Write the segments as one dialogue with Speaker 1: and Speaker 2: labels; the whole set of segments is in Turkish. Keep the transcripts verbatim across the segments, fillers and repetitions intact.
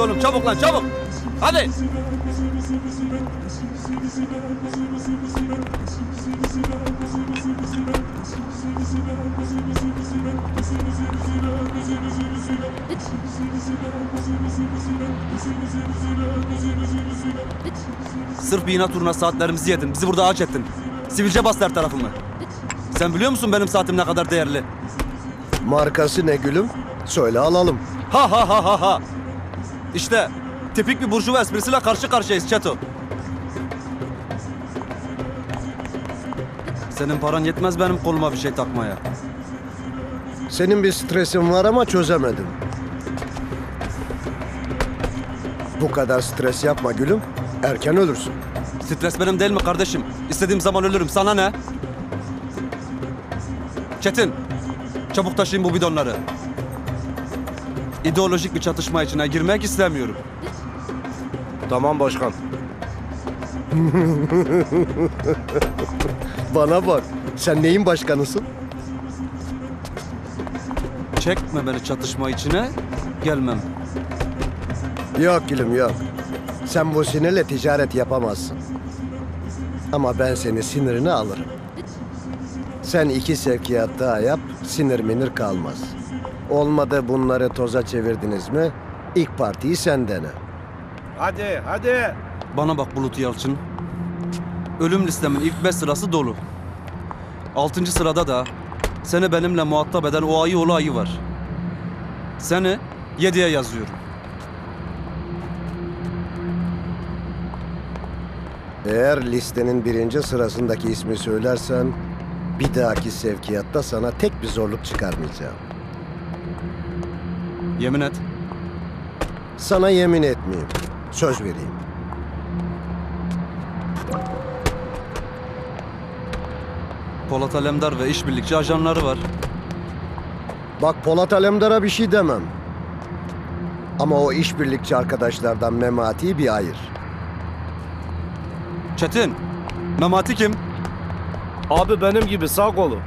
Speaker 1: oğlum, çabuk lan çabuk. Hadi. Sırf bir inat uğruna saatlerimizi yedin. Bizi burada ağaç ettin. Sivilce bastı her tarafımı. Sen biliyor musun benim saatim ne kadar değerli?
Speaker 2: Markası ne gülüm? Söyle alalım.
Speaker 1: Ha ha ha ha ha. İşte tipik bir burjuva esprisiyle karşı karşıyayız Çeto. Senin paran yetmez benim koluma bir şey takmaya.
Speaker 2: Senin bir stresin var ama çözemedim. Bu kadar stres yapma gülüm. Erken ölürsün.
Speaker 1: Stres benim değil mi kardeşim? İstediğim zaman ölürüm. Sana ne? Çetin, çabuk taşıyın bu bidonları. İdeolojik bir çatışma içine girmek istemiyorum.
Speaker 3: Tamam başkan.
Speaker 2: Bana bak. Sen neyin başkanısın?
Speaker 1: Çekme beni çatışma içine, gelmem.
Speaker 2: Yok gülüm yok. Sen bu sinirle ticaret yapamazsın. Ama ben senin sinirini alırım. Sen iki sevkiyat daha yap, sinir minir kalmaz. Olmadı bunları toza çevirdiniz mi, ilk partiyi sen dene.
Speaker 3: Hadi hadi.
Speaker 1: Bana bak Bulut Yalçın. Ölüm listemin ilk beş sırası dolu. Altıncı sırada da seni benimle muhatap eden o ayı oğlu ayı var. Seni yediye yazıyorum.
Speaker 2: Eğer listenin birinci sırasındaki ismi söylersen, bir dahaki sevkiyatta sana tek bir zorluk çıkarmayacağım.
Speaker 1: Yemin et.
Speaker 2: Sana yemin etmeyeyim, söz vereyim.
Speaker 1: Polat Alemdar ve işbirlikçi ajanları var.
Speaker 2: Bak Polat Alemdar'a bir şey demem. Ama o işbirlikçi arkadaşlardan Memati'yi bir ayır.
Speaker 1: Çetin, Memati kim?
Speaker 3: Abi benim gibi sağ kolu.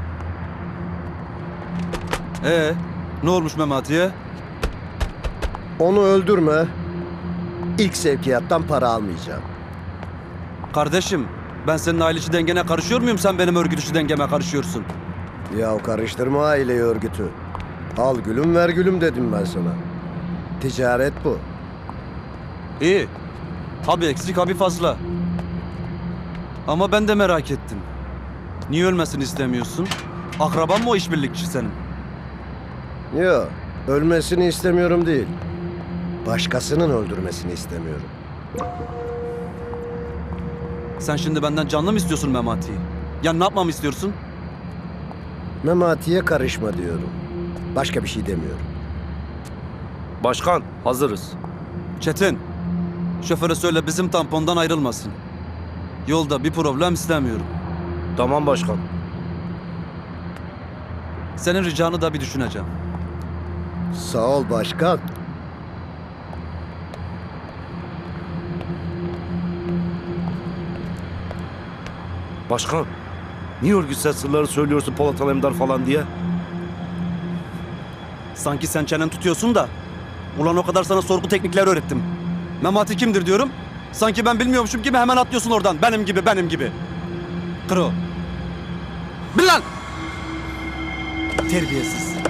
Speaker 1: Ee, ne olmuş Memati'ye?
Speaker 2: Onu öldürme. İlk sevkiyattan para almayacağım.
Speaker 1: Kardeşim, ben senin aile içi dengene karışıyor muyum? Sen benim örgüt içi dengeme karışıyorsun.
Speaker 2: Ya karıştırma aileyi örgütü. Al gülüm ver gülüm dedim ben sana. Ticaret bu.
Speaker 1: İyi. Abi eksik abi fazla. Ama ben de merak ettim. Niye ölmesini istemiyorsun? Akraban mı o işbirlikçi senin?
Speaker 2: Yok, ölmesini istemiyorum değil. Başkasının öldürmesini istemiyorum.
Speaker 1: Sen şimdi benden canlı mı istiyorsun Memati'yi? Ya ne yapmamı istiyorsun?
Speaker 2: Memati'ye karışma diyorum. Başka bir şey demiyorum.
Speaker 3: Başkan hazırız.
Speaker 1: Çetin, şoföre söyle bizim tampondan ayrılmasın. Yolda bir problem istemiyorum.
Speaker 3: Tamam başkan.
Speaker 1: Senin ricanı da bir düşüneceğim.
Speaker 2: Sağ ol başkan.
Speaker 3: Başkan. Niye örgütsel sırları söylüyorsun Polat Alemdar falan diye?
Speaker 1: Sanki sen çenen tutuyorsun da. Ulan o kadar sana sorgu teknikleri öğrettim. Memati kimdir diyorum. Sanki ben bilmiyormuşum gibi hemen atlıyorsun oradan. Benim gibi, benim gibi. Kro. Bil lan! Terbiyesiz.